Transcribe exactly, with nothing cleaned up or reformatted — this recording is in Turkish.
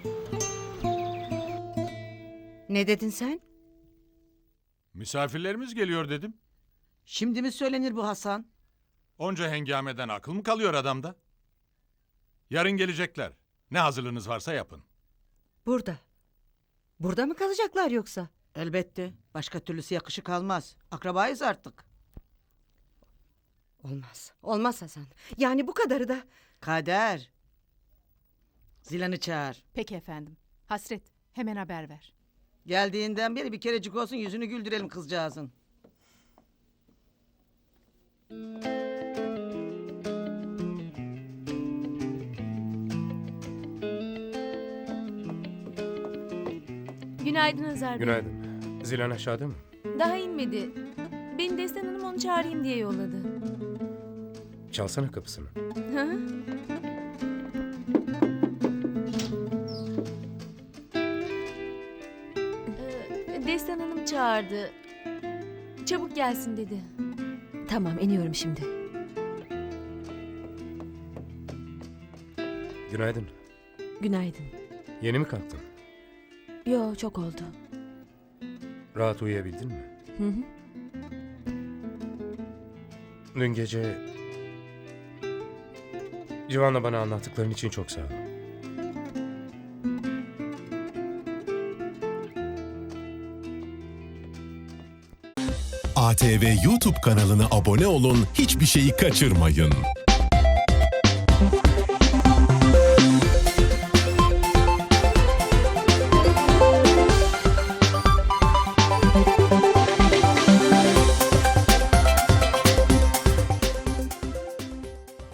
Ne dedin sen? Misafirlerimiz geliyor dedim. Şimdi mi söylenir bu Hasan? Onca hengameden akıl mı kalıyor adamda? Yarın gelecekler. Ne hazırlığınız varsa yapın. Burada. Burada mı kalacaklar yoksa? Elbette. Başka türlüsü yakışık almaz. Akrabayız artık. Olmaz. Olmaz Hasan. Yani bu kadarı da... Kader. Zilan'ı çağır. Peki efendim. Hasret, hemen haber ver. Geldiğinden beri bir kerecik olsun yüzünü güldürelim kızcağızın. Günaydın Hazar Bey. Günaydın. Zilan aşağıda mı? Daha inmedi. Beni Destan Hanım onu çağırayım diye yolladı. Çalsana kapısını. Hı hı. Ee, Destan Hanım çağırdı. Çabuk gelsin dedi. Tamam, iniyorum şimdi. Günaydın. Günaydın. Yeni mi kalktın? Yo, çok oldu. Rahat uyuyabildin mi? Hı hı. Dün gece... Civan'la bana anlattıkların için çok sağ ol. A T V YouTube kanalına abone olun, hiçbir şeyi kaçırmayın.